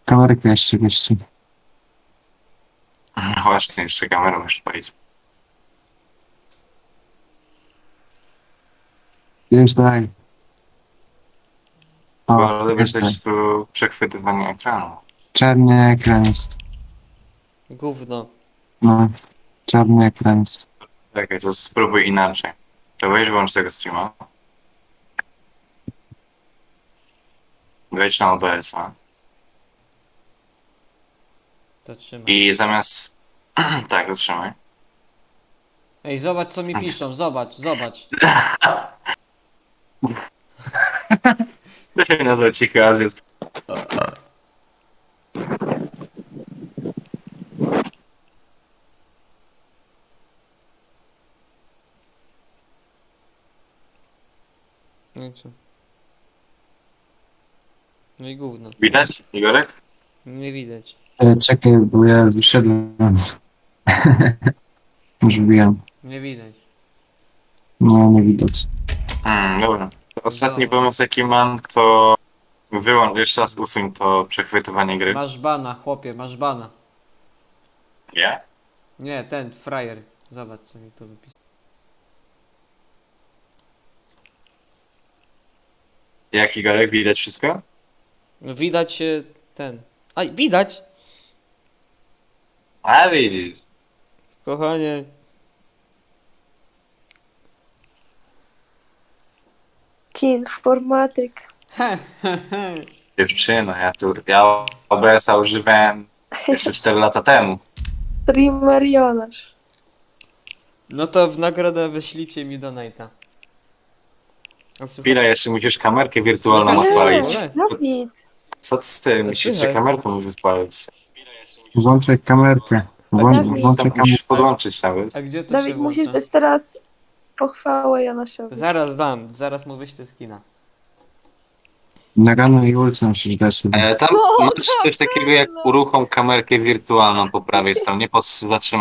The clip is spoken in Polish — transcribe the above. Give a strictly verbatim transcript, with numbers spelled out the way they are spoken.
Kamerkę jeszcze jeszcze. No właśnie, jeszcze kamerę muszę powiedzieć. Już daj. O, Bo lubię już daj. też tu przechwytywanie ekranu. Czarny ekran jest. Gówno. No, czarny ekran jest. Czekaj, to spróbuj inaczej. To weź włącz tego streama. Wejdź na O B S-a. Zatrzymaj. I zamiast... tak, zatrzymaj. Ej, zobacz co mi piszą, zobacz, zobacz. To się nazywa Cichy Azjat. No i co? No i gówno. Widać, Igorek? Nie widać. E, Czekaj, bo ja wyszedłem. Już wbijam. Nie widać. No, nie widać. Hmm, dobra. Ostatni Dobra. pomysł jaki mam, to wyłącz, jeszcze raz usuń to przechwytywanie gry. Masz bana, chłopie, masz bana. Nie? Nie, ten, frajer. Zobacz co mi tu wypisał. Jak Igorek, widać wszystko? No widać się ten. Aj, widać! A widzisz. Kochanie. Ci informatyk. Dziewczyno, ja tu, ja O B S-a używałem jeszcze cztery lata temu. Streamer Jonasz. No to w nagrodę wyślijcie mi donate'a. A słychać- Chwilę, jeszcze musisz kamerkę wirtualną Słychać? odpalić. Nie. Dawid. Co ty, musisz jeszcze Słychać. kamerkę musisz odpalić. Włączaj kamerkę. Włącz, Dawid. włączaj Tam musisz kamerkę. podłączyć nawet. A gdzie to Dawid, się musisz włącza? dać teraz pochwałę Jonaszowi. Zaraz dam, zaraz mu wyślę skina. Na rano i ulicę musisz dać. E, tam No, masz coś takiego jak uruchom kamerkę wirtualną po prawej stronie, po zatrzymaniu